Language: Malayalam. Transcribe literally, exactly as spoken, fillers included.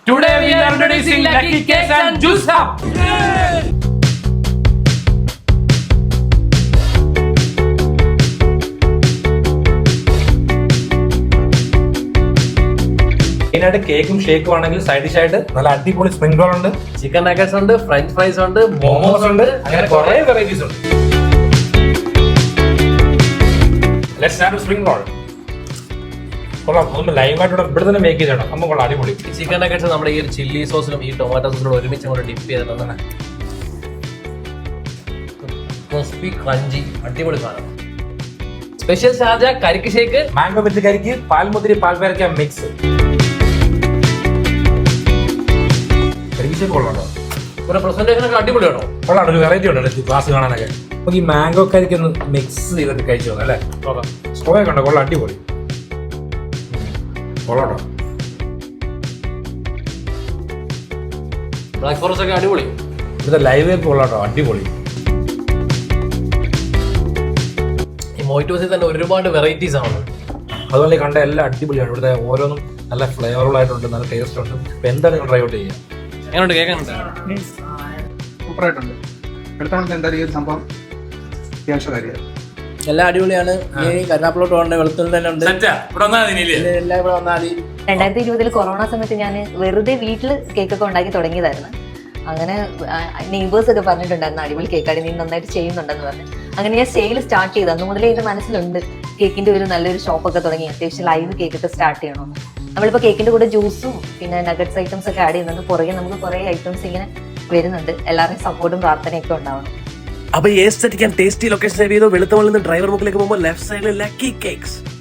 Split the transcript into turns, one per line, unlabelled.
Today we are introducing Lucky Cakes and Juice Hub.
മെയിനായിട്ട് കേക്കും ഷേക്കും ആണെങ്കിൽ സൈഡ് ഡിഷ് ആയിട്ട് നല്ല അടിപൊളി സ്പ്രിംഗ് റോൾ ഉണ്ട്,
ചിക്കൻ നഗറ്റ്സ് ഉണ്ട്, ഫ്രഞ്ച് ഫ്രൈസ് ഉണ്ട്,
മോമോസ് ഉണ്ട്, അങ്ങനെ കുറെ വെറൈറ്റീസ് ഉണ്ട്. Let's start spring roll. കൊള്ളാം, ഒന്ന് ലൈവായിട്ട് ഇവിടെ തന്നെ മേക്ക് ചെയ്തണം. അമ്മ കൊള്ളാം, അടിപൊളി.
ചിക്കൻ നഗറ്റ്സ് നമ്മുടെ ഈ ഒരു ചില്ലി സോസിലും ഈ ടൊമാറ്റോ സോസിലും ഒരുമിച്ച് അങ്ങോട്ട് ഡിപ്പ് ചെയ്തിട്ടാണ് ക്രിസ്പി ക്രഞ്ചി അടിപൊളി സാധനം. സ്പെഷ്യൽ ഷാർജ കരിക്ക് ഷേക്ക്,
മാംഗോ വിത്ത് കരിക്ക്, പാൽമുതിരി പാൽ പേരക്ക മിക്സ്. കരിക്ക് ഷേക്ക് കൊള്ളാം,
ഒരു പ്രസന്റേഷൻ ഒക്കെ അടിപൊളിയാണോ?
കൊള്ളാം, ഒരു വെറൈറ്റി ഉണ്ട് ക്ലാസ് കാണാനൊക്കെ. നമുക്ക് ഈ മാംഗോ കരിക്ക് ഒന്ന് മിക്സ് ചെയ്തിട്ട് കഴിച്ചു നോക്കാം അല്ലേ? സ്ട്രോയൊക്കെ ഉണ്ടോ? കൊള്ളാം, അടിപൊളി കൊള്ളാട്ടോ.
ബ്ലാക്ക് ഫോറസ്റ്റ് ഒക്കെ അടിപൊളി.
ഇവിടുത്തെ ലൈവ് കൊള്ളാട്ടോ, അടിപൊളി.
ഈ മൊയ്റ്റോസിൽ തന്നെ ഒരുപാട് വെറൈറ്റീസ് ആണ്.
അതുപോലെ കണ്ട എല്ലാം അടിപൊളിയാണ്. ഇവിടുത്തെ ഓരോന്നും നല്ല ഫ്ലേവറുകൾ ആയിട്ടുണ്ട്, നല്ല ടേസ്റ്റ് ഉണ്ട്. അപ്പൊ എന്താണ് നിങ്ങൾ ട്രൈ ഔട്ട് ചെയ്യുക?
എങ്ങനെയുണ്ട്? കേൾക്കാനുണ്ട്,
സൂപ്പറായിട്ടുണ്ട്. എടുത്താൽ എന്തായാലും ഈ ഒരു സംഭവം അത്യാവശ്യ കാര്യമാണ്.
എല്ലാം അടിപൊളിയാണ്. ഈ കരുനാപ്പിലോട്ട് പോകണ്ട, വെളുത്തുള്ളി തന്നെ ഉണ്ട്. എല്ലാം ഇവിടെ വന്നാൽ മതി.
രണ്ടായിരത്തി ഇരുപതിൽ കൊറോണ സമയത്ത് ഞാൻ വെറുതെ വീട്ടിൽ കേക്കൊക്കെ ഉണ്ടാക്കി തുടങ്ങിയതായിരുന്നു. അങ്ങനെ നെയ്ബേഴ്സ് ഒക്കെ പറഞ്ഞിട്ടുണ്ടായിരുന്നു അടിപൊളി കേക്കാടി, നീ നന്നായിട്ട് ചെയ്യുന്നുണ്ടെന്ന് പറഞ്ഞു. അങ്ങനെ ഞാൻ സെയിൽ സ്റ്റാർട്ട് ചെയ്തു. അന്ന് മുതലേ എന്റെ മനസ്സിലുണ്ട് കേക്കിന്റെ ഒരു നല്ലൊരു ഷോപ്പൊക്കെ തുടങ്ങി അത്യാവശ്യം ലൈവ് കേക്കൊക്കെ സ്റ്റാർട്ട് ചെയ്യണമെന്ന്. നമ്മളിപ്പോൾ കേക്കിന്റെ കൂടെ ജ്യൂസും പിന്നെ നഗറ്റ്സ് ഐറ്റംസ് ഒക്കെ ആഡ് ചെയ്യുന്നുണ്ട്. പുറകെ നമുക്ക് കുറേ ഐറ്റംസ് ഇങ്ങനെ വരുന്നുണ്ട്. എല്ലാവരുടെയും സപ്പോർട്ടും പ്രാർത്ഥനയൊക്കെ ഉണ്ടാവണം.
അപ്പൊ aesthetic and tasty location save ചെയ്തോ വെളുത്തമണിൽ നിന്ന് ഡ്രൈവർ മുക്കിലേക്ക് പോകുമ്പോൾ ലെഫ്റ്റ് സൈഡിൽ ലക്കി കേക്ക്സ്.